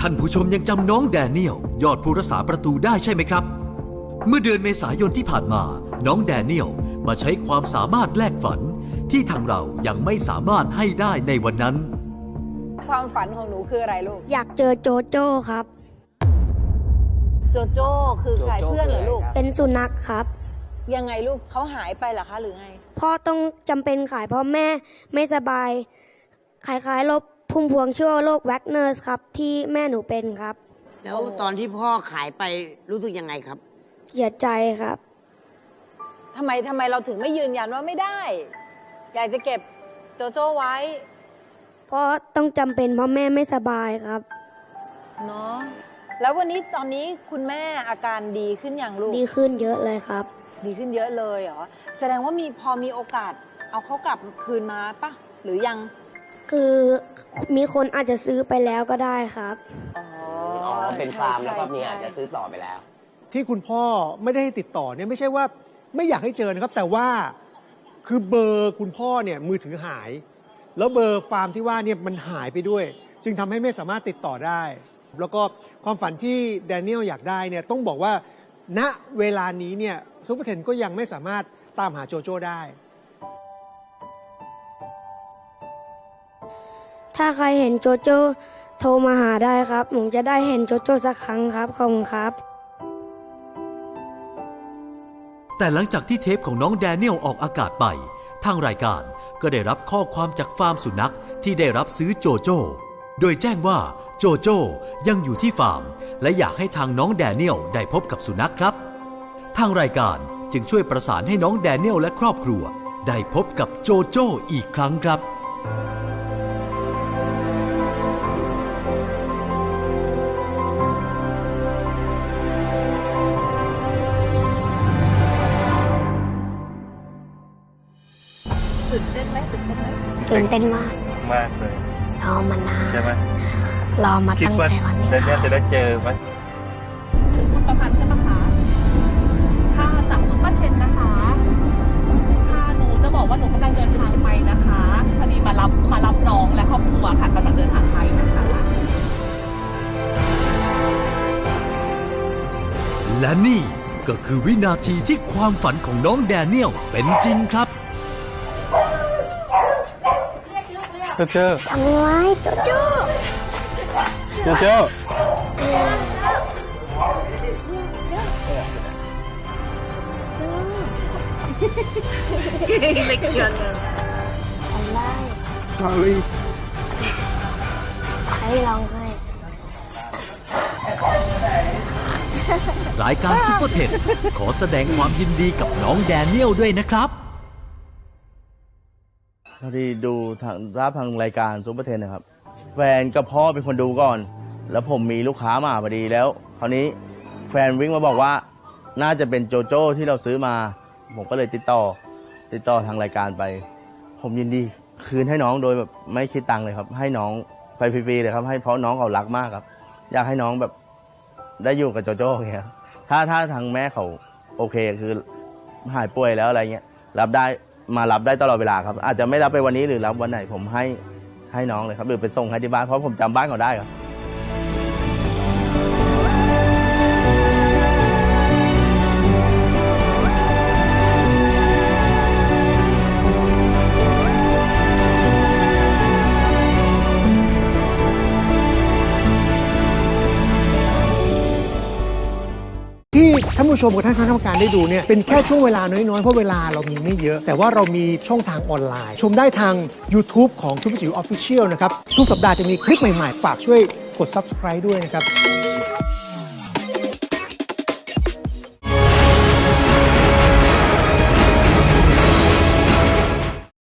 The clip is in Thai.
ท่านผู้ชมยังจำน้องแดเนียลยอดผู้รักษาประตูได้ใช่ไหมครับเมื่อเดือนเมษายนที่ผ่านมาน้องแดเนียลมาใช้ความสามารถแลกฝันที่ทางเรายังไม่สามารถให้ได้ในวันนั้นความฝันของหนูคืออะไรลูกอยากเจอโจโจ้ครับโจโจ้คือใครเพื่อนเหรอลูกเป็นสุนัขครับยังไงลูกเขาหายไปเหรอคะหรือไงพ่อต้องจำเป็นขายเพราะแม่ไม่สบายคล้ายๆโรคพุ่มพวงชื่อว่าโรคแวกเนอร์สครับที่แม่หนูเป็นครับแล้วตอนที่พ่อขายไปรู้สึกยังไงครับเสียใจครับทำไมเราถึงไม่ยืนยันว่าไม่ได้อยากจะเก็บโจโจ้ไว้เพราะต้องจำเป็นเพราะแม่ไม่สบายครับเนาะแล้ววันนี้ตอนนี้คุณแม่อาการดีขึ้นอย่างลูกดีขึ้นเยอะเลยครับดีขึ้นเยอะเลยเหรอแสดงว่าพอมีโอกาสเอาเขากลับคืนมาปะหรือยังคือมีคนอาจจะซื้อไปแล้วก็ได้ครับอ๋อเป็นฟาร์มแล้วก็มีอาจจะซื้อต่อไปแล้วที่คุณพ่อไม่ได้ให้ติดต่อเนี่ยไม่ใช่ว่าไม่อยากให้เจอนะครับแต่ว่าคือเบอร์คุณพ่อเนี่ยมือถือหายแล้วเบอร์ฟาร์มที่ว่าเนี่ยมันหายไปด้วยจึงทำให้ไม่สามารถติดต่อได้แล้วก็ความฝันที่แดเนียลอยากได้เนี่ยต้องบอกว่าณเวลานี้เนี่ยซุปเปอร์เทนก็ยังไม่สามารถตามหาโจโจ้ได้ถ้าใครเห็นโจโจ้โทรมาหาได้ครับผมจะได้เห็นโจโจ้สักครั้งครับขอบคุณครับแต่หลังจากที่เทปของน้องแดเนียลออกอากาศไปทางรายการก็ได้รับข้อความจากฟาร์มสุนัขที่ได้รับซื้อโจโจ้โดยแจ้งว่าโจโจ้ยังอยู่ที่ฟาร์มและอยากให้ทางน้องแดเนียลได้พบกับสุนัขครับทางรายการจึงช่วยประสานให้น้องแดเนียลและครอบครัวได้พบกับโจโจ้อีกครั้งครับตื่นเต้นมากมากเลยรอมานานใช่ไหมรอมาตั้งแต่วันนี้ค่ะจะได้เจอไหมถึงคุณประพันธ์ใช่ไหมคะถ้าจากซุปเปอร์เทนนะคะถ้าหนูจะบอกว่าหนูกำลังเดินทางไปนะคะพอดีมารับน้องและครอบครัวค่ะกำลังเดินทางไปนะคะและนี่ก็คือวินาทีที่ความฝันของน้องแดเนียลเป็นจริงครับโจโจ้ทำไว้โจโจ้โจโจ้เล็กเกินเลยทำได้ให้ลองให้รายการซุปเปอร์เทนขอแสดงความยินดีกับน้องแดเนียลด้วยนะครับพอดีดูทางรายการซุปเปอร์เทนนะครับแฟนกับพ่อเป็นคนดูก่อนแล้วผมมีลูกค้ามาพอดีแล้วคราวนี้แฟนวิ่งมาบอกว่าน่าจะเป็นโจโจ้ที่เราซื้อมาผมก็เลยติดต่อทางรายการไปผมยินดีคืนให้น้องโดยแบบไม่คิดตังค์เลยครับให้น้องไปฟรีๆเลยครับให้เพราะน้องเขารักมากครับอยากให้น้องแบบได้อยู่กับโจโจ้อย่างเงี้ยถ้าทางแม่เขาโอเคคือหายป่วยแล้วอะไรเงี้ยรับได้ตลอดเวลาครับอาจจะไม่รับไปวันนี้หรือรับวันไหนผมให้น้องเลยครับหรือไปส่งให้ที่บ้านเพราะผมจำบ้านเขาได้ครับที่ท่านผู้ชมกับท่านคณะกรรมการได้ดูเนี่ยเป็นแค่ช่วงเวลาน้อยๆเพราะเวลาเรามีไม่เยอะแต่ว่าเรามีช่องทางออนไลน์ชมได้ทาง YouTube ของซุปเปอร์จิ๋ว Official นะครับทุกสัปดาห์จะมีคลิปใหม่ๆฝากช่วยกด Subscribe ด้วยนะครับ